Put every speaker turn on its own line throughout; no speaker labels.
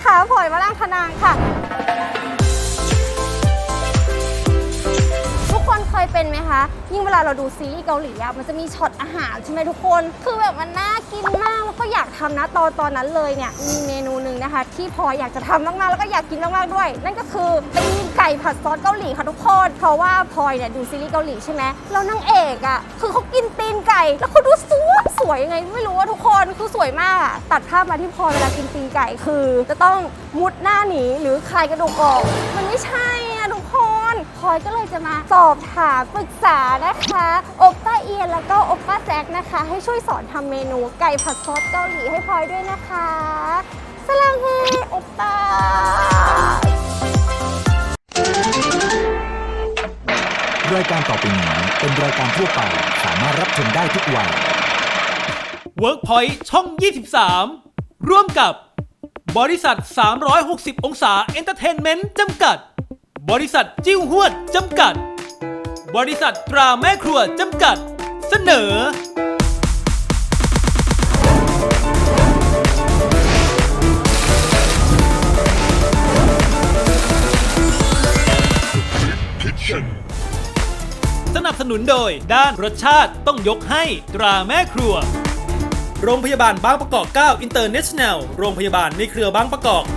นะคะพลอยวรังคนางค่ะทุกคนเคยเป็นไหมคะยิ่งเวลาเราดูซีรีส์เกาหลีอะมันจะมีช็อตอาหารใช่ไหมทุกคนคือแบบมันน่ากินมากแล้วก็อยากทำนะตอนนั้นเลยเนี่ยมีเมนูหนึ่งนะคะที่พลอยอยากจะทำมากๆแล้วก็อยากกินมากๆด้วยนั่นก็คือตีนไก่ผัดซอสเกาหลีค่ะทุกคนเพราะว่าพลอยเนี่ยดูซีรีส์เกาหลีใช่ไหมแล้วนางเอกอะคือเขากินตีนไก่แล้วเขาดูสวยยังไงไม่รู้ว่าทุกคนคือสวยมากอะตัดภาพมาที่พลอยเวลากินตีนไก่คือจะต้องมุดหน้าหนีหรือคลายกระดูกออกมันไม่ใช่อะทุกคนพลอยก็เลยจะมาสอบถามปรึกษานะคะโอปป้าเอียนแล้วก็โอปป้าแจ็คนะคะให้ช่วยสอนทำเมนูไก่ผัดซอสเกาหลีให้พลอยด้วยนะคะสลังเฮโอปป้าร
ายการต่อไปนี้เป็นรายการทั่วไปสามารถรับชมได้ทุกวัย
WorkPoint ช่อง 23 ร่วมกับบริษัท 360 องศาเอนเตอร์เทนเมนต์จำกัดบริษัทจิ้วหวดจำกัดบริษัทตราแม่ครัวจำกัดเสนอสนับสนุนโดยด้านรสชาติต้องยกให้ตราแม่ครัวโรงพยาบาลบางประกอบ 9 International โรงพยาบาลในเครือบางประกอบ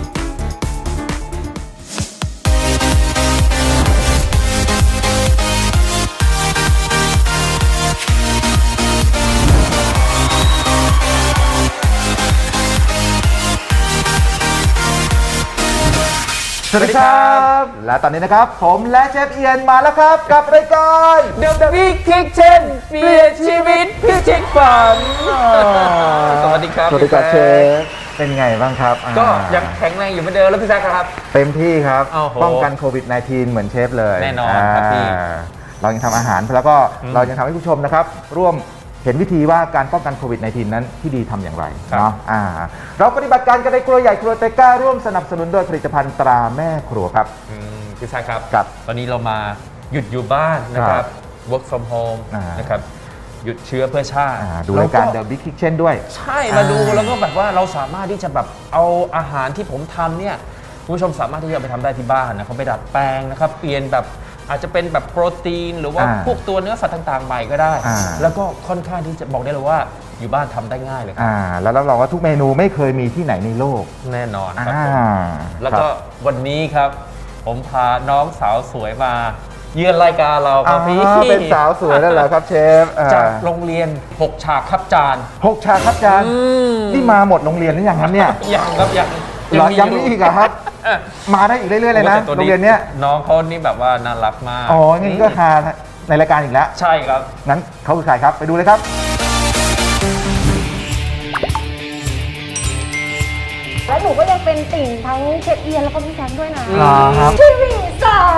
สวัสดีครับและตอนนี้นะครับผมและเชฟเอียนมาแล้วครับกับรายการ
The Big Kitchen เปลี่ยนชีวิตพิชิตฝันสวัสดีครับ
สวัสดีครับเชฟเป็นไงบ้างครับ
ก็ยังแข็งแรงอยู่เหมือนเดิมแล้วพี่แซคครับ
เต็มที่ครับ
โอ้โห
ป้องกันโควิด -19 เหมือนเชฟเลย
แน่นอนครับพี่
เรายังทำอาหารแล้วก็เรายังทำให้ผู้ชมนะครับร่วมเห็นวิธีว่าการป้องกันโควิด -19 นั้นที่ดีทำอย่างไรเนาะเราปฏิบัติการกันในครัวใหญ่ครัวเตก้าร่วมสนับสนุนโดยผลิตภัณฑ์ตราแม่ครัวครับ
พี่แซคครับ
ครับ
ตอนนี้เรามาหยุดอยู่บ้านนะครับ work from home นะครับหยุดเชื้อเพื่อชาติ
ดูรายการ The Big Kitchen ด้วย
ใช่มาดูแล้วก็แบบว่าเราสามารถที่จะแบบเอาอาหารที่ผมทำเนี่ยคุณผู้ชมสามารถที่จะเอาไปทำได้ที่บ้านนะเขาไปดัดแปลงนะครับเปลี่ยนแบบอาจจะเป็นแบบโปรตีนหรือว่าพวกตัวเนื้อสัตว์ต่างๆใหม่ก็ได้แล้วก็ค่อนข้างที่จะบอกได้เลยว่าอยู่บ้านทำได้ง่ายเลยครับ
แล้วรับรองว่าทุกเมนูไม่เคยมีที่ไหนในโลก
แน่นอนครับแล้วก็วันนี้ครับผมพาน้องสาวสวยมาเยือนรายการเราครับพี่
เป็นสาวสวยแล้วเหรอครับเชฟ
จากโรงเรียน6ฉากครับจาน
6ฉากครับจานนี่มาหมดโรงเรียนหรือยังครับเนี่ย
ยังครับ
ยังมีอีกครับมาได้อีกเรื่อยๆเลยนะโรงเรียนเนี้ย
น้องเขานี่แบบว่าน่ารักมาก
งั้นก็หาในรายการอีกแล้ว
ใช่ครับ
งั้นเขาคือใครครับไปดูเลยครับ
และหนูก็ยังเป็นติ่งทั้งเชฟเอียนแล้วก็พี่แซคด้วยนะ
ครับ
ทีวีสาม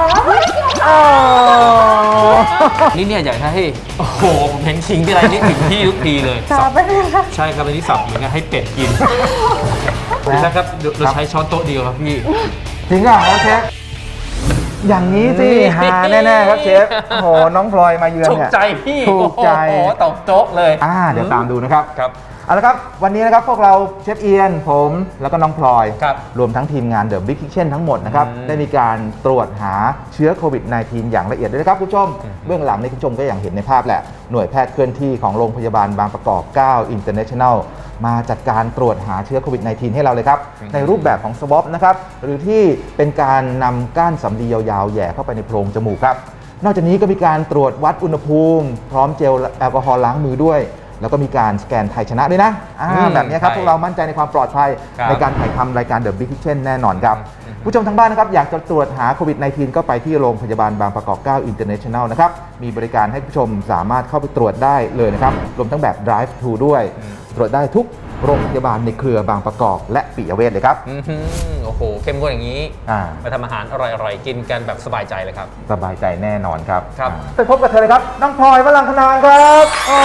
นี่เนี่ยอยากให้โอ้โหผมเห็นชิงที่ไรนี่ถึงที่ทุกทีเลย
สับไปเลยค่ะ
ใช่ครับอันนี้สับอย่างเงี้ยให้เป็ดกินนะครับเราใช้ช้อนโต๊ะเดียวครับพี่
จริงเหรอครับเชฟอย่างนี้สิหาแน่ๆครับเชฟโอ้โหน้องพลอยมาเยือนเนี่ย
ถูกใจพี่
ถูกใจ
โอ้โหตบโจ๊กเลย
เดี๋ยวตามดูนะครับ
ครับ
เอาละครับวันนี้นะครับพวกเราเชฟเอียนผมแล้วก็น้องพลอยรวมทั้งทีมงาน The Big Kitchen ทั้งหมดนะครับได้มีการตรวจหาเชื้อโควิด -19 อย่างละเอียดด้วยนะครับคุณผู้ชมเบื้องหลังในคุณผู้ชมก็อย่างเห็นในภาพแหละหน่วยแพทย์เคลื่อนที่ของโรงพยาบาลบางประกอบ 9 International มาจัดการตรวจหาเชื้อโควิด -19 ให้เราเลยครับในรูปแบบของ swab นะครับหรือที่เป็นการนำก้านสำลียาวๆแหย่เข้าไปในโพรงจมูกครับนอกจากนี้ก็มีการตรวจวัดอุณหภูมิพร้อมเจลแอลกอฮอล์ล้างมือด้วยแล้วก็มีการสแกนไทยชนะด้วยนะแบบนี้ครับพวกเรามั่นใจในความปลอดภัยในการถ่ายทำรายการ The Big Kitchen แน่นอนครับผู้ชมทางบ้านนะครับอยากจะตรวจหาโควิด -19 ก็ไปที่โรงพยาบาลบางประกอบ 9 International นะครับมีบริการให้ผู้ชมสามารถเข้าไปตรวจได้เลยนะครับรวมทั้งแบบ Drive Thru ด้วยตรวจได้ทุกโรงพยาบาลในเครือบางประกอบและปิยเวชเลยครับ
โอ้โหเข้มข้นอย่างนี้มาทำอาหารอร่อยๆกินกันแบบสบายใจเลยครับ
สบายใจแน่นอนครับไปพบกับเธอเลยครับน้องพลอยวรังคนางครับ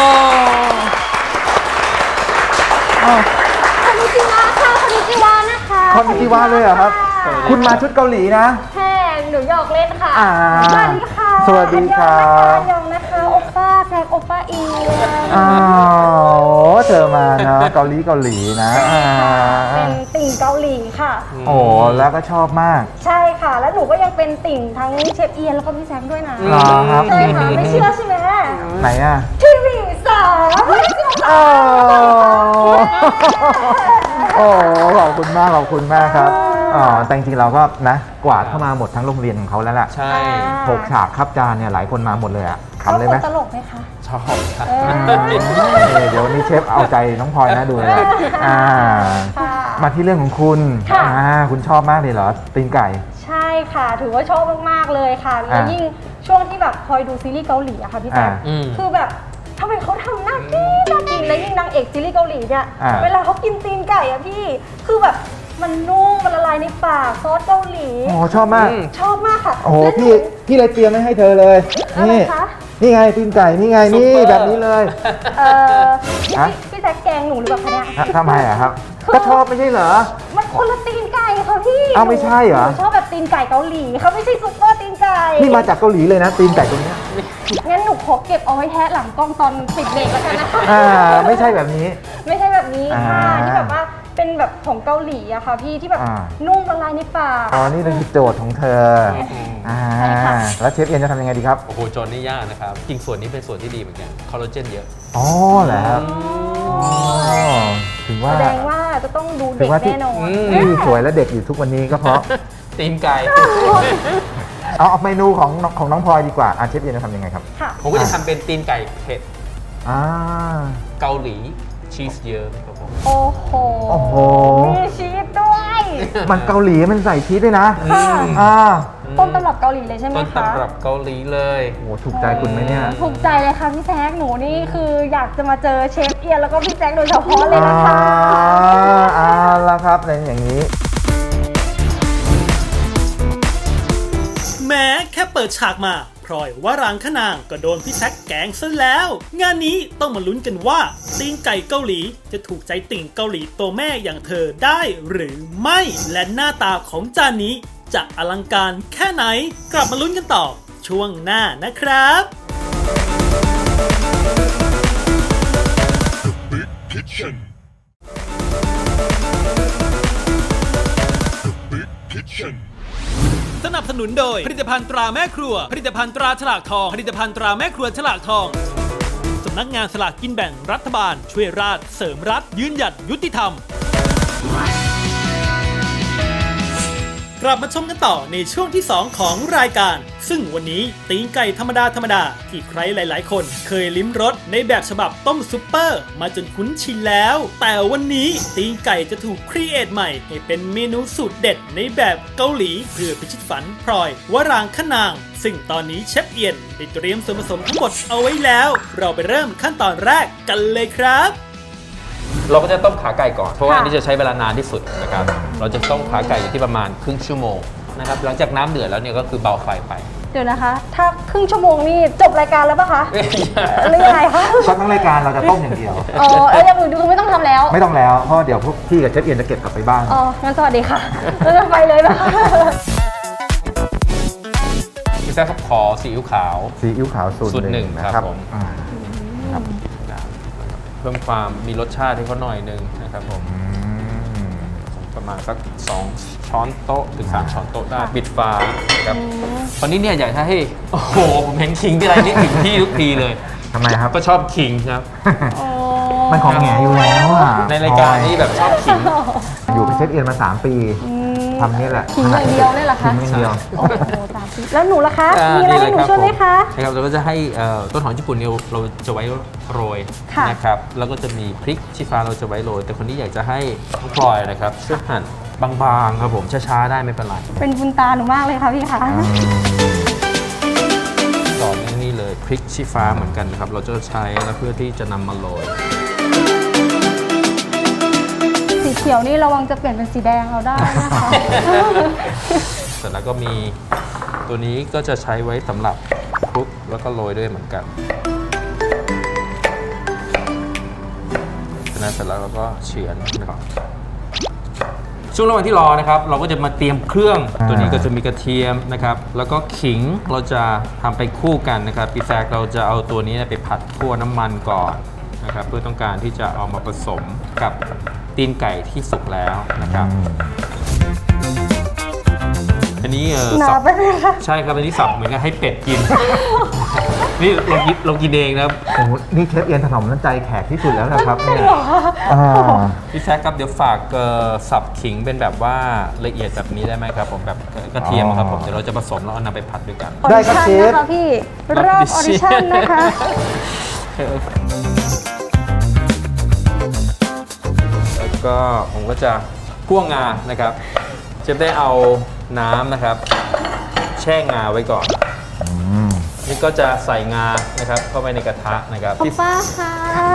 คอนนิจิวะค่ะคอนนิจิวะนะคะ
คอนนิจิวะเลยเหรอครับคุณมาชุดเกาหลีนะ
แค่หนูหยอกเล่นค่ะสวัสดีค่ะ
สวัสดีครับ
ยองนะคะโอป้าแซคโอป้าอี
เธอมาเนาะเกาหลีนะ
เป็นติ่งเกาหลีค่ะ
โอ้แล้วก็ชอบมาก
ใช่ค่ะ แล้วหนูก็ยังเป็นติ่งทั้งเชฟเอียนแล้วก็พี่แซมด้วยนะ
เหรอครับ
ใช่ค่ะไม่เชื่อใช่ไหม
ไหนอ่ะ
ทีวีสามไม่เชื่อ
โอ้โอ้ขอบคุณมากครับอ๋อแต่จริงๆเราก็นะกวาดเข้ามาหมดทั้งโรงเรียนของเขาแล้วแหละ
ใช่
6 ฉากครับจานเนี่ยหลายคนมาหมดเลยอ่ะ
เขา
ทำเลยไหม
ตลกไหมคะ
ชอบครับ
เดี๋ยววันนี้เชฟเอาใจน้องพลอยนะดูเลยอ่า
ค่ะ
มาที่เรื่องของคุณ
ค่ะ
คุณชอบมากเลยเหรอตีนไก่
ใช่ค่ะ ถือว่าชอบมากๆเลยค่ะแล้วยิ่งช่วงที่แบบคอยดูซีรีส์เกาหลีอะค่ะพี่แจ๊ค
อืม
คือแบบทำไมเขาทำน่ากินแล้วยิ่งนางเอกซีรีส์เกาหลีเนี่ย
อ่า
เวลาเขากินตีนไก่อะพี่ คือแบบมันนุ่มมันละลายในปากซอสเกาหลี
โอ้ชอบมาก
ชอบมากค่ะ
โอ้โห
และหนู
พี่เลยเตรียมไว้ให้เธอเลย
อะไร
นี่
คะ
นี่ไงตีนไก่นี่ไง
ซุป
นี่
เปอร์
แบบนี้เลย ฮะ
พี่แจ๊คแกงหนูหรือเปล่าคะเนี่ย
ทำไมอะครับ ก็ชอบไม่ใช่เหรอ
มันคนละตีนไก่ค่ะพี่
อ้าวไม่ใช่เหรอ
นูชอบแบบตีนไก่เกาหลีเขาไม่ใช่ซุปเปอร์ตีนไก่
นี่มาจากเกาหลีเลยนะตีนไก่ตรงเนี้ย
งั้นหนูขอเก็บเอาไว้แทะหลังกล้องตอนปิดเบรกแล้วกันนะคะ
ไม่ใช่แบบนี้
ไม่ใช่แบบนี้ค่ะ
อ่า
ที่แบบว่าเป็นแบบของเกาหลีอะค่ะพี่ที่แบบ
อ่า
นุ่มละลายในปาก
อ๋อนี่คือโจทย์ของเธออ่า
ใช่ค่ะ
แล้วเชฟเอียนจะทำยังไงดีครับ
โอ้โหโจนนี่ยากนะครับ จริงส่วนนี้เป็นส่วนที่ดีเหมือนกัน คอลลาเจนเยอะ
อ๋อเหรอครับอ๋อถึงว่า
แสดงว่าจะต้องดู
ถึ
เด็
ง
ก
ว่าที่
แน่นอน
ที่สวยและเด็กอยู่ทุกวันนี้ก็เพราะ
ตีนไก่
เอาเมนูของน้องพลอยดีกว่าเชฟเอียนจะทำยังไงครับ
ค่ะ
ผมก็จะทำเป็นตีนไก่เผ็ด
อ่า
เกาหลีชีสเยอะครับผม
โอ้โห
โอ้โห
มีชีสด้วย
มันเกาหลีมันใส่ชีสด้วยนะ
ค่ะ
อ่า
ต้นตำรับเกาหลีเลยใช่ไหม
ต้น
คะ
ตำรับเกาหลีเลย
โอ้ถูกใจคุณไหมเนี่ย
ถูกใจเลยค่ะพี่แซคหนูนี่คืออยากจะมาเจอเชฟเอียนแล้วก็พี่แซคโดยเฉพาะเลยนะคะ
เอาละครับในอย่างนี้
แม้แค่เปิดฉากมาพลอยว่ารางขนางก็โดนพี่แซคแกล้งซะแล้ว งานนี้ต้องมาลุ้นกันว่าตีนไก่เกาหลีจะถูกใจติ่งเกาหลีตัวแม่อย่างเธอได้หรือไม่ และหน้าตาของจานนี้จะอลังการแค่ไหน กลับมาลุ้นกันต่อช่วงหน้านะครับ สนับสนุนโดยผลิตภัณฑ์ตราแม่ครัว ผลิตภัณฑ์ตราฉลากทอง ผลิตภัณฑ์ตราแม่ครัวฉลากทอง สำนักงานสลากกินแบ่งรัฐบาลช่วยราษฎร์เสริมรัฐยืนหยัดยุติธรรม กลับมาชมกันต่อในช่วงที่ 2 ของรายการ ซึ่งวันนี้ตีนไก่ธรรมดาที่ใครหลายๆ คนเคยลิ้มรสในแบบฉบับต้มซุปเปอร์มาจนคุ้นชินแล้ว แต่วันนี้ตีนไก่จะถูกครีเอทใหม่ให้เป็นเมนูสูตรเด็ดในแบบเกาหลีเพื่อพิชิตฝันพลอยวรางคนาง ซึ่งตอนนี้เชฟเอียนได้เตรียมส่วนผสมทั้งหมดเอาไว้แล้ว เราไปเริ่มขั้นตอนแรกกันเลยครับ
เราก็จะต้มขาไก่ก่อน เพราะว่า
ค่ะ
อันนี้จะใช้เวลานานที่สุดนะครับ เราจะต้มขาไก่อยู่ที่ประมาณครึ่งชั่วโมงนะครับ หลังจากน้ำเดือดแล้วเนี่ยก็คือเบาไฟไป
เดี๋ยวนะคะ ถ้าครึ่งชั่วโมงนี่จบรายการแล้วปะคะหรือยังไงคะ
ก็ทั้งรายการเราจะต้มอย่างเดียว
อ๋ออย่างอื่นคือไม่ต้องทำแล้ว
ไม่ต้องแล้ว เพราะเดี๋ยวพวกพี่กับเชฟเอียนจะเก็บกลับไปบ้าน
อ๋อ งั้นสวัสดีค่ะเราจะไปเลยนะคะ
พี่แจ๊คครับขอซีอิ๊วขาว
ซีอิ๊วขาวสูต
สูต
ร
ร
ห
หนึ่
นึ่ง
ง
นะครับ
ผม
ครับ
เพิ่มความมีรสชาติให้เขาหน่อยนึงนะครับผม ประมาณสัก2ช้อนโต๊ะถึง3ช้อนโต๊ะได้ปิดฝาครับตอนนี้เนี่ยอยากให้โอ้โหผมเห็นขิงที่ไรนี่ถึงที่ทุกทีเลย
ทำไมครับ
ก็ชอบขิงครับ
มันของแหงอยู่แล้วอ่ะ
ในรายการนี้แบบชอบขิง
อยู่กับเชฟเอียนมา 3 ปีทำนี่แหละ
ขิงอย่างเดียวเลยเหรอคะ
ขิงอย่างเดียว
โอ้โห3 ปีแล้วหนูล่ะคะ มีอะไรให้หนูช่วยไหมคะ
นะครับเราก็จะให้ต้นหอมญี่ปุ่นเนี่ยเราจะไว้โรย
ค่ะ
นะครับแล้วก็จะมีพริกชี้ฟ้าเราจะไว้โรย แต่คนที่อยากจะให้น้องพลอยนะครับช่วยหั่นบางๆครับผมช้าๆได้ไม่เป็นไร
เป็นบุญตาหนูมากเลยค่ะพี่คะ
ต่อด้วยนี่เลยพริกชี้ฟ้าเหมือนกันนะครับเราจะใช้แล้วเพื่อที่จะนำมาโรย
สีเขียวนี่ระวังจะเปลี่ยนเป็นสีแดงเราได้นะคะ
เสร็จแล้วก็มีตัวนี้ก็จะใช้ไว้สำหรับคลุกแล้วก็โรยด้วยเหมือนกันจากนั้นเสร็จแล้วเราก็เฉือนนะครับช่วงระหว่างที่รอนะครับเราก็จะมาเตรียมเครื่องตัวนี้ก็จะมีกระเทียมนะครับแล้วก็ขิงเราจะทำไปคู่กันนะครับปีแซกเราจะเอาตัวนี้ไปผัดคั่วน้ำมันก่อนนะครับเพื่อต้องการที่จะเอามาผสมกับตีนไก่ที่สุกแล้วนะครับอันนี้
หนา
สับ
ไปเลยค่ะ
ใช่ครับอันนี้สับเหมือนกับให้เป็ดกิน นี่เรากินเองนะครับ
โอ้โหนี่เชฟเอียนถนอมน้ำใจแขกที่สุดแล้วนะครับเนี่ยอ่า
พี่แซคครับเดี๋ยวฝากสับขิงเป็นแบบว่าละเอียดแบบนี้ได้ไหมครับผมแบบกระเทียมครับผมเดี๋ยวเราจะผสมแล้วเอานำไปผัดด้วยกัน
ได้ครับเชฟ
นะคะพี่รอบออดิชั่นนะคะ
แล้วก็ผมก็จะคั่วงานะครับเชฟได้เอาน้ำนะครับแช่งาไว้ก่อนนี่ก็จะใส่งานะครับเข้าไปในกระทะนะครับ
ป้าค่ะ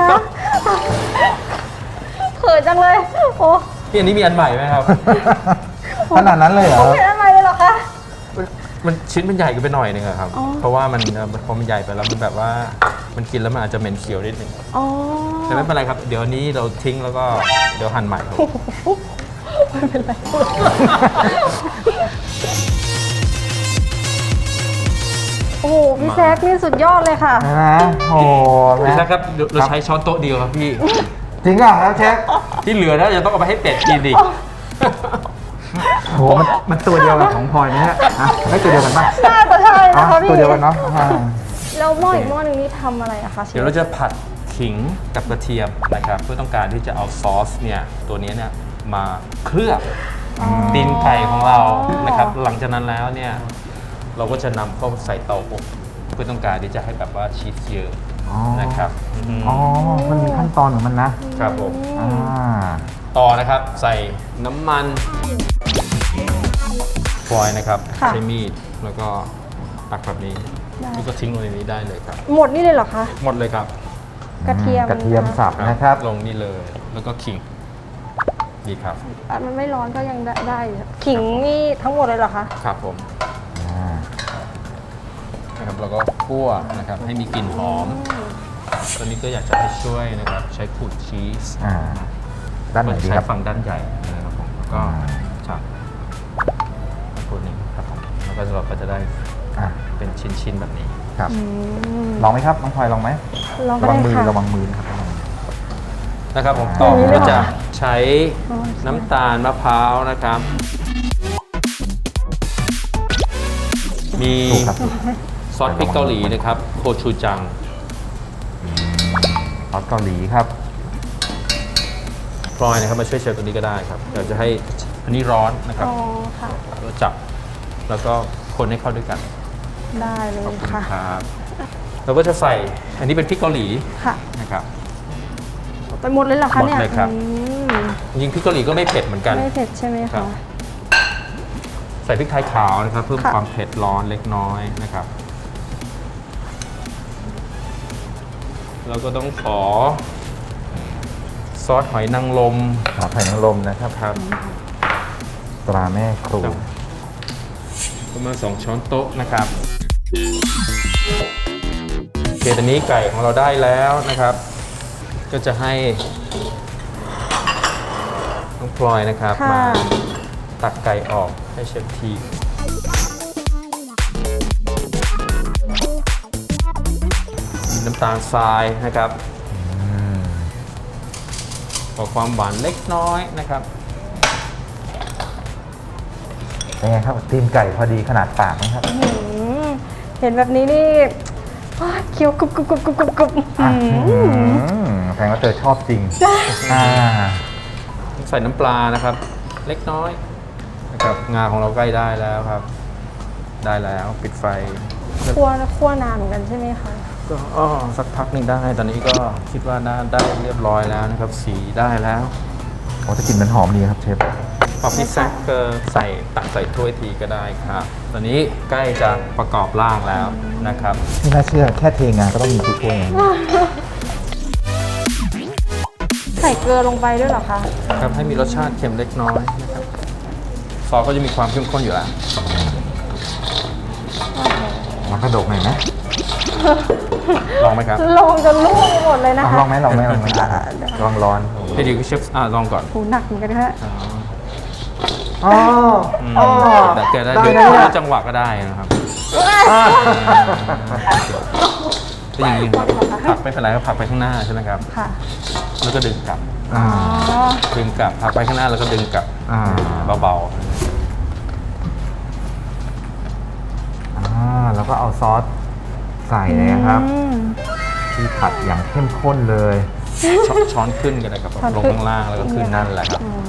เขินจังเลยโอ้
พี่อันนี้มีอันใหม่ไหมครับ
ขนาดนั้นเลยเหรอ
เห็นทำไมเลยเหรอคะ
มันชิ้นมันใหญ่กันไปหน่อยนึงอะครับ
อ๋อ
เพราะว่ามันพอมันใหญ่ไปแล้วมันแบบว่ามันกินแล้วมันอาจจะเหม็นเขียวนิดนึง
อ๋อ
แต่ไม่เป็นไรครับเดี๋ยวนี้เราทิ้งแล้วก็เดี๋ยวหั่นใหม่ครับ
ไม่เป็นไรโอ้โหพี่แซคนี่สุดยอดเลยค่ะ
นะโอ้โห
พี่แซคครับเราใช้ช้อนโต๊ะเดียวครับพี่
จริงอ่ะครับเชฟ
ที่เหลือแล้วจะต้องเอาไปให้เป็ดกินดิ
โอ้โหมันตัวเดียวกับของพลอยไหมฮะอ่ะไม่ตัวเดียวกันป่ะ
น่าจะใช่
อ๋อ
นะคะพี่
ตัวเดียวกันเนาะอ่า
แล้วหม้ออีกหม้อหนึงนี่ทำอะไรอะคะเชฟ
เดี๋ยวเราจะผัดขิงกับกระเทียมนะครับเพื่อต้องการที่จะเอาซอสเนี่ยตัวนี้เนี่ยมาเคลือบตีนไก่ของเรานะครับหลังจากนั้นแล้วเนี่ยเราก็จะนำเข้าใส่เตาอบเพื่อต้องการที่จะให้แบบว่าชีสเยอะ
อ๋อ
นะครับม
อ๋อ มันมีขั้นตอนของมันนะครับ
ผม
อ่า
ต่อนะครับใส่น้ำมันฟอยล์นะครับ
ค่ะ
ใช้มีดแล้วก็ตักแบบนี้แล้วก็ทิ้งลงในนี้ได้เลยครับ
หมดนี่เลยเหรอคะ
หมดเลยครับ
กระเทียม
กระเทียมสับนะครับ
ลงนี่เลยแล้วก็ขิงดีครับ
อ่ะมันไม่ร้อนก็ยังได้อยู่ขิงนี่ทั้งหมดเลยเหรอคะ
ครับผม
อ่า
นะครับแล้วก็คั่วนะครับให้มีกลิ่นหอมตอนนี้ก็อยากจะให้ช่วยนะครับใช้ขูดชีส
อ่า ด้านไหนดี
ใช้
ครับ
ฝั่งด้านใหญ่นะครับผมแล้วก็จับขูดนี้ครับผมแล้วก็เราก็จะได้
อ่า
เป็นชิ้นๆแบบนี้
ครับ ลองไหมครับ น้องพลอยลองไหม
ลองก็
ระวั
ได้
งมือ
ค่ะ
ระวังมือนะครับ
นะครับผม
อ่า
ต่อ
อย่างนี้
ผม
เลย
ก็
เหรอ
จะ
คะ
ใช้น้ำตาลมะพร้าวนะครับ มี
ถูกครับ
ซอสพริกเกาหลีนะครับโคชูจัง
ซอสเกาหลีครับ
พลอยนะครับมาช่วยเชฟตัวนี้ก็ได้ครับเดี๋ยวจะให้อันนี้ร้อนนะครับ
อ๋อค่ะ
เราจับแล้วก็คนให้เข้าด้วยกัน
ได้เลย
ขอบคุณ
ค่ะ
ครับเราก็จะใส่อันนี้เป็นพริกเกาหลี
ค่ะ
นะครับ
ไปหมดเลยเหรอคะเนี่ย
หมดเลยครับ
อืม
จริงๆพริกเกาหลีก็ไม่เผ็ดเหมือนกัน
ไม่เผ็ดใช่ไหม
ครั
คะ
บ ใส่พริกไทยขาวนะครับ เพิ่ม
ค่ะ
ความเผ็ดร้อนเล็กน้อยนะครับเราก็ต้องขอซอสหอยนางรม
ขอไข่นางรมนะครับ
ครับ
ตราแม่ครู
ประมาณ2ช้อนโต๊ะนะครับโอเคตอนนี้ไก่ของเราได้แล้วนะครับ ก็จะให้น้องพลอยนะครับ
ค่ะ
มาตักไก่ออกให้เชฟทีมีน้ำตาลทรายนะครับขอความหวานเล็กน้อยนะครับ
เป็นไงครับตีนไก่พอดีขนาดปากไหมครับ
อืมเห็นแบบนี้นี่ว้าเคี้ยวกรุบกรุบกรุบกรุบกรุบกรุบ
อ่ะ
อืม
แสดงว่าเธอชอบจริงอ่า
ใส่น้ำปลานะครับ เล็กน้อยนะครับงาของเราใกล้ได้แล้วครับ ได้แล้วปิดไฟ
คั่วนานเหมือนกันใช่ไหมคะ
ก็สักพักหนึ่งได้ ตอนนี้ก็คิดว่าน่าได้เรียบร้อยแล้วนะครับ สีได้แล้ว
โอ้จะกลิ่นมันหอมดีครับเชฟ
พอพี่แซคก็ใส่ตักใส่ถ้วยทีก็ได้ครับ ตอนนี้ใกล้จะประกอบร่างแล้วนะครับ
ไม่น่าเชื่อแค่เทงานก็ต้องมีทุกถ้วยนะ
ใส่เกลือลงไปด้วยเหรอคะ
ครับให้มีรสชาติเค็มเล็กน้อยนะครับซอสก็จะมีความเข้มข้นอยู่แล้ว
มันกระดกหน่อยนะ
ลองไหมครับ
ลงจนลุ่มไปหมดเลยนะคะ
ลองไหมลองไหมลองไหมลองร้อน
ให้ดีเชฟลองก่อน
โหหนักเหมือนกันนะคะ
อ๋อ อ๋อ
แต่แกได้
ได้
เดี๋ยว
ได้
ดูจังหวะก็ได้นะครับก็อย่างนี้ครับผลักไม่เป็นไรครับผลักไปข้างหน้าใช่ไหมครับ
ค่ะ
แล้วก็ดึงกลับ
อ่า
อ๋อ
ดึงกลับผลักไปข้างหน้าแล้วก็ดึงกลับ
อ่า
เบา
แล้วก็เอาซอสใส่เลยนะครับ
อืม
ที่ผัดอย่างเข้มข้นเลย
ๆช้อนขึ้นกันเลยครับ
ช้อน
ลง
ขึ้น
ข้างล่างแล้วก็ขึ้นนั่นแหละครับ
อ๋อ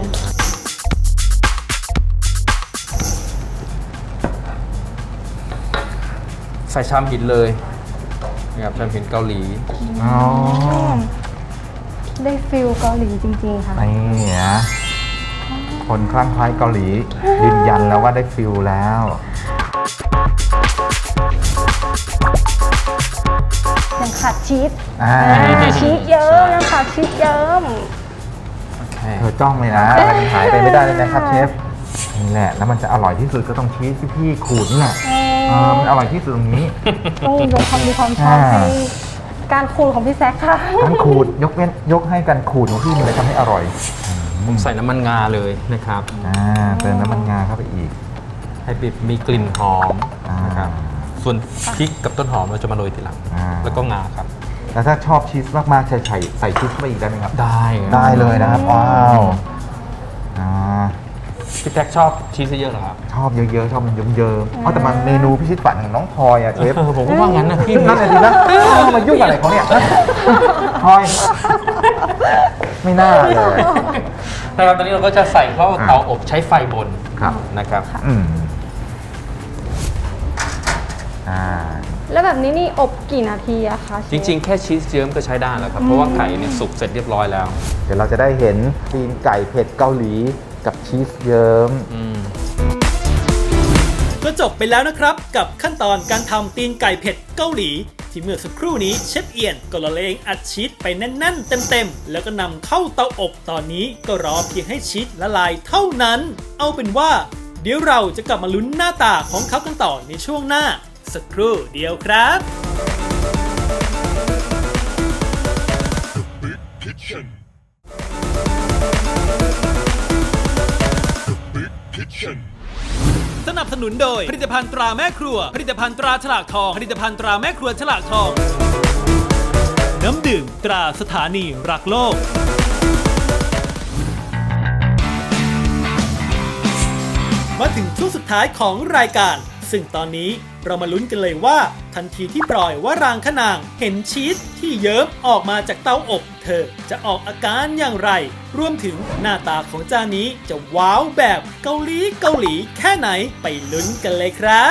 ใส่ชามหินเลยนะครับชามหินเกาหลี
อ๋อ
ได้ฟิลเกาหลีจริงๆค่ะ
นี่นะคนคลั่งไคล้เกาหลียืนยันแล้วว่าได้ฟิลแล้ว
ยังขาดชีส
อ่า
ชีสเยิ้มยังขาดชีสเยิ้ม
โอเค
เธอจ้องเลยนะอะไรมันหายไปไม่ได้เลยนะครับเชฟนี่แหละแล้วมันจะอร่อยที่สุดก็ต้องชีสที่พี่ขูดนี่แหละมันอร่อยที่สุดตรงนี้
ต้องยกความดีความชอบ
อ่า
ให้การขูดของพี่แซคค่ะ
การขูดยกให้การขูดของพี่มันเลยทำให้อร่อย
ผมใส่น้ำมันงาเลยนะครับ
เติมน้ำมันงาเข้าไปอีก
ให้มีกลิ่นหอม
อ่าน
นะครับส่วนพริกกับต้นหอมเราจะมาโรยทีหลัง
อ่า
แล้วก็งาครับ
แล้วถ้าชอบชีสมากๆใส่ชีสเข้าไปอีกได้ไหมครับ
ได้
ได้เลยนะครับว้าวอ่า
พี่แท็กชอบชีสเยอะเหรอครับ
ชอบเยอะๆชอบมันเยิ้มๆแต่มันเมนูพิชิตฝันของน้องพลอยอะเชฟ
ผมก็ว่างั้นนะพี่
นั่นแหละดีนะมายุ่งอะไรเขาเนี่ยพลอยไม่น่าเลย
นะครับตอนนี้เราก็จะใส่เข้าเตาอบใช้ไฟบน
ครับ
นะครับ
อืมอ่า
แล้วแบบนี้นี่อบกี่นาทีอะคะ
จริงๆ แค่ชีสเยิ้มก็ใช้ได้แล้วครับ เพราะว่าไก่เนี่ยสุกเสร็จเรียบร้อยแล้ว
เดี๋ยวเราจะได้เห็นตีนไก่เผ็ดเกาหลีกับชีสเยิ้ม
ก็จบไปแล้วนะครับกับขั้นตอนการทำตีนไก่เผ็ดเกาหลี ที่เมื่อสักครู่นี้เชฟเอียนก็ละเลงอัดชีสไปแน่นๆเต็มๆแล้วก็นำเข้าเตาอบตอนนี้ก็รอเพียงให้ชีสละลายเท่านั้น เอาเป็นว่า เดี๋ยวเราจะกลับมาลุ้นหน้าตาของเขากันต่อในช่วงหน้า สักครู่เดียวครับ สนับสนุนโดยผลิตภัณฑ์ตราแม่ครัวผลิตภัณฑ์ตราฉลากทองผลิตภัณฑ์ตราแม่ครัวฉลากทอง น้ำดื่มตราสถานีรักโลก มาถึงช่วงสุดท้ายของรายการ ซึ่งตอนนี้เรามาลุ้นกันเลยว่า ทันทีที่ปล่อยว่ารางขนางเห็นชีสที่เยิ้มออกมาจากเตาอบ เธอจะออกอาการอย่างไร รวมถึงหน้าตาของจานนี้จะว้าวแบบเกาหลีแค่ไหนไปลุ้นกันเลยครับ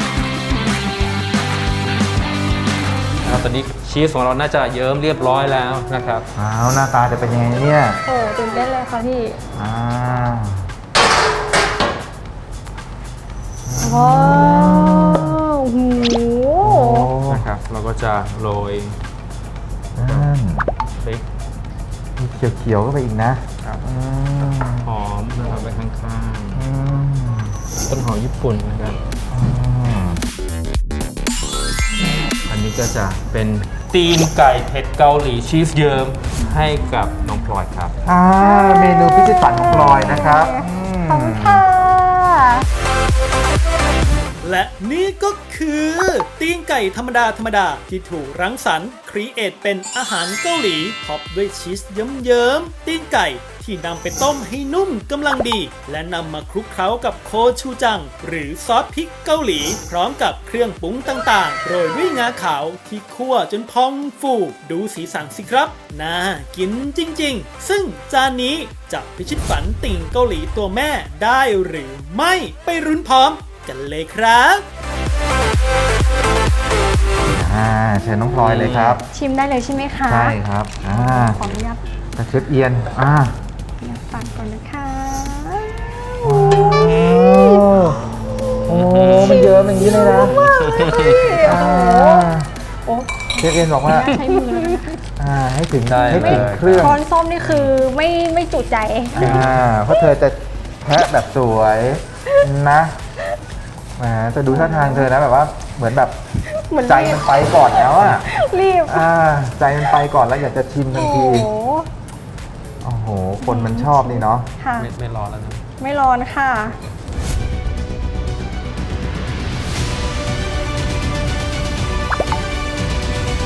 ตอนนี้ชีสของเราน่าจะเยิ้มเรียบร้อยแล้วนะครับ
อ้าวหน้าตาจะเป็นยังไงเนี่ย
โอ้ตื่นเต้นเลยค่ะพี่
อ้าว
ว้าวโอ้โห
นะครับ เราก็จะโรย
นั่น
พริก
มีเขียวๆก็ไปอีกนะครับ อืม
หอมนะครับไปข้าง
อืม
ๆต้นหอมญี่ปุ่นนะครับ
อืม
อันนี้ก็จะเป็นตีนไก่เผ็ดเกาหลีชีสเยิ้มให้กับน้องพลอยครับ
เมนูพิชิตฝันของพลอยนะครับ
ขอบคุณค่ะ
และนี่ก็คือตีนไก่ธรรมดาที่ถูกรังสรรค์ครีเอทเป็นอาหารเกาหลีท็อปด้วยชีสเยิ้มๆตีนไก่ที่นำไปต้มให้นุ่มกำลังดี และนำมาคลุกเคล้ากับโคชูจัง หรือซอสพริกเกาหลี พร้อมกับเครื่องปรุงต่างๆโรยด้วยงาขาวที่คั่วจนพองฟูดูสีสันสิครับน่ากินจริงๆ ซึ่งจานนี้จะพิชิตฝันติ่งเกาหลีตัวแม่ได้หรือไม่ไปรุ้นพร้อมกันเลยครับ
เชิญน้องพลอยเลยครับ
ชิมได้เลยใช่ไหมคะ
ใช่ครับ
ขออนุญาต
กระเชฟเอียน
ตักก่อนนะคะ
โอ้มันเยอะอย่างนี้เลยนะเชฟเอียนบอกว่า
ใช้มือเลย
ให้ถึง
ได้
ให้ถึง
เลย
เครื่อง
ช้อนส้มนี่คือไม่จุใจ
เพราะเธอจะแพะแบบสวยนะแหมจะดูท่าทางเธอนะแบบว่าเหมือนแบบ
เหมือน
ใจมันไปก่อนแล้วอ่ะ
รีบ
ใจมันไปก่อนแล้วอยากจะชิมทัน
โอ้
ที
โห
โอ้โห คนมันชอบนี่เนาะ
ค่ะ
ไม่ร้อนแล้วนะ
ไม่ร้อนค่ะ
อ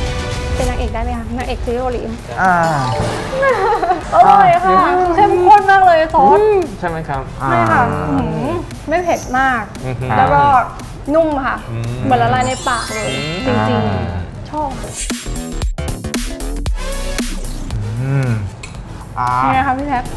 อกได้ไหมคะนางเอกซีรีส์เกาหลี
อ่า
อร่อยค่ะเข้มข้นมากเลยซอส
ใช่ไหมครับ
ใช่ค่ะไม่เผ็ดมาก
อือหือ
แล้วก็นุ่มค่ะ
อืม
เหมือนละลายในปากเลยจริงๆ ชอบ
อืมอ่า
นี่นะคะพี่แท็ก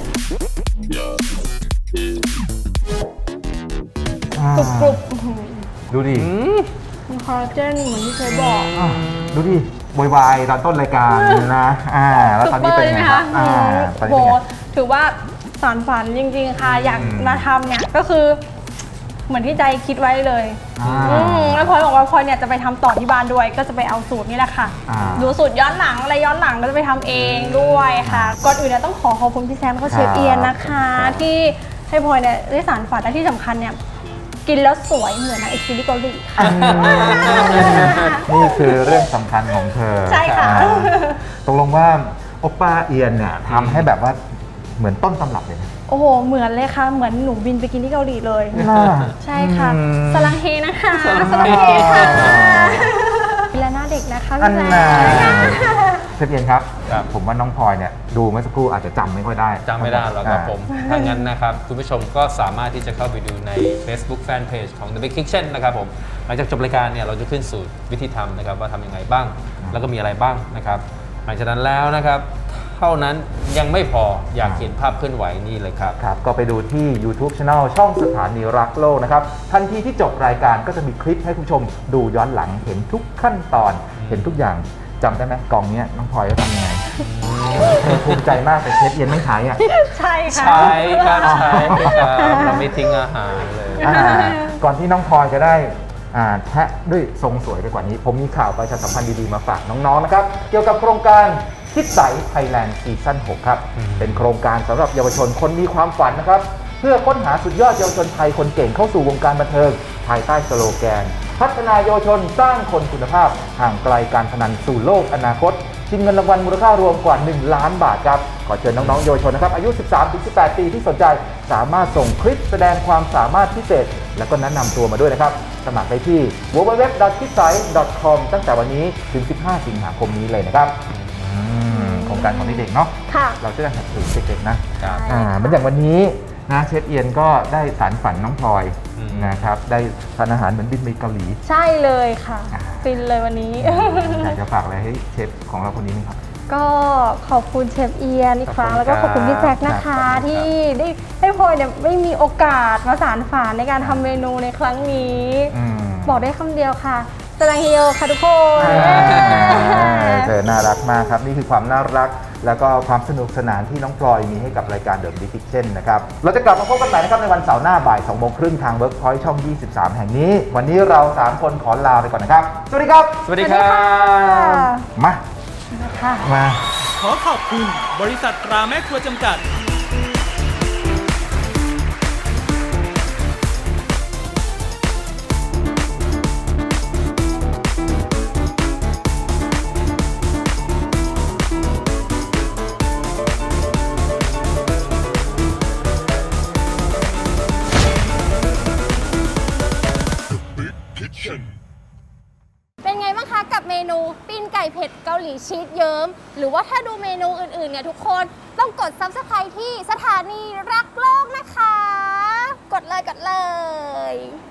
กรุบกรุบ
ดูดิ
มีคอลลาเจนเหมือนที่เคยบอก
ดูดิโวยวายตอนต้นรายการนะแล้วตอนนี้เป็นไงครับตอน
โห
นี้เป็นไง
ถือว่าสารฝันจริงๆค่ะ อยากมาทำเนี่ยก็คือเหมือนที่ใจคิดไว้เลย แล้วพลอยบอกว่าพลอยเนี่ยจะไปทำต่อที่บ้านด้วย ก็จะไปเอาสูตรนี่แหละค่ะ ดูสูตรย้อนหลังอะไรย้อนหลังก็จะไปทำเองด้วยค่ะ ก่อนอื่นเนี่ยต้องขอบคุณพี่แซมแล้วก็เชฟเอียนนะคะ ที่ให้พลอยเนี่ยได้สารฝันและที่สำคัญเนี่ยกินแล้วสวยเหมือนนางเอกซีรีส์เกาหลีค่ะ
นี่คือเรื่องสำคัญของเธอ
ใช่ค่ะ
ตกลงว่าโอป้าเอียนเนี่ยทำให้แบบว่าเหมือนต้นตำรับเลยนะ
โอ้โห เหมือนเลยค่ะ เหมือนหนูบินไปกินที่เกาหลีเลย
น่า
ใช่ค่ะ สลังเฮนะคะ
สลังเฮ
ค่ะและหน้าเด็กนะคะ
อัน
พี่
น่ะ
แจ๊ค
เชฟเอียนครับ
ครับ
ผมว่าน้องพลอยเนี่ยดูเมื่อสักครู่อาจจะจำไม่ค่อยได้
จำไม่ได้หรอกครับผม ถ้างั้นนะครับ คุณผู้ชมก็สามารถที่จะเข้าไปดูใน Facebook Fanpage ของ The Big Kitchen นะครับผม หลังจากจบรายการเนี่ยเราจะขึ้นสูตรวิธีทำนะครับว่าทำยังไงบ้าง แล้วก็มีอะไรบ้างนะครับ หลังจากนั้นแล้วนะครับ เท่านั้นยังไม่พออยากเห็นภาพเคลื่อนไหวนี่เลยครับ
ครับก็ไปดูที่ YouTube Channel ช่องสถานีรักโลกนะครับทันทีที่จบรายการก็จะมีคลิปให้คุณผู้ชมดูย้อนหลังเห็นทุกขั้นตอนเห็นทุกอย่างจำได้ไหมกล่องเนี้ยน้องพลอยเขาทำยังไงภูมิใจมากแต่เชฟเอียนไม่ขายอ่ะ
ใช่ค่ะ
ใช่ครับใช่ครับเราไม่ทิ้งอาหารเลย
ก่อนที่น้องพลอยจะได้แทะด้วยทรงสวยไปกว่านี้ ผมมีข่าวประชาสัมพันธ์ดีๆมาฝากน้องๆนะครับเกี่ยวกับโครงการคิดใสไทยแลนด์ซีซั่น 6 ครับ เป็นโครงการสำหรับเยาวชนคนมีความฝันนะครับ เพื่อค้นหาสุดยอดเยาวชนไทยคนเก่งเข้าสู่วงการบันเทิง ภายใต้สโลแกน พัฒนาเยาวชนสร้างคนคุณภาพ ห่างไกลการพนันสู่โลกอนาคตชิงเงินรางวัลมูลค่ารวมกว่า 1 ล้านบาทครับ ขอเชิญน้องๆเยาวชนนะครับอายุ 13-18 ปีที่สนใจ สามารถส่งคลิปแสดงความสามารถพิเศษ และก็แนะนำตัวมาด้วยนะครับ สมัครได้ที่ www.kitsai.com ตั้งแต่วันนี้ถึง 15 สิงหาคมนี้เลยนะครับโครงการของเด็กๆเนาะ
ค่ะ
เราจะได้สนับสนุนเด็กๆนะครับ เหมือนอย่างวันนี้นะเชฟเอียนก็ได้สารฝันน้องพลอยนะครับได้ทานอาหารเหมือนบินไปเกาหลี
ใช่เลยค่ะ ฟินเลยวันนี้
อยากจะฝากอะไรให้เชฟของเราคนนี้ไหมครับ
ก็ขอบคุณเชฟเอียนอีกครั้ง
ขอบคุณ
แล้วก็ขอบคุณพี่แจ็คนะ
ครั
คะ
บ
ที่ได้ให้พลอยเนี่ยไม่มีโอกาสมาสานฝันในการทำเมนูในครั้งนี้ บอกได้คำเดียวค่ะสลังเฮโยค่ะทุกคน
เธอน่ารักมากครับ นี่คือความน่ารัก แล้วก็ความสนุกสนานที่น้องพลอยมีให้กับรายการ The Big Kitchen นะครับ เราจะกลับมาพบกันใหม่นะครับในวันเสาร์หน้าบ่าย 2:30 ทาง Workpoint ช่อง 23 แห่งนี้ วันนี้เรา 3 คนขอลาไปก่อนนะครับ สวัสดีครับ
สวัสดีครับ
มา
ค่ะ
มา
ขอขอบคุณบริษัทตราแม่ครัวจำกัด
เป็นไงบ้างคะกับเมนูปิ้งไก่เผ็ดเกาหลีชีสเยิ้มหรือว่าถ้าดูเมนูอื่นๆเนี่ยทุกคนต้องกด Subscribe ที่สถานีรักโลกนะคะ กดเลย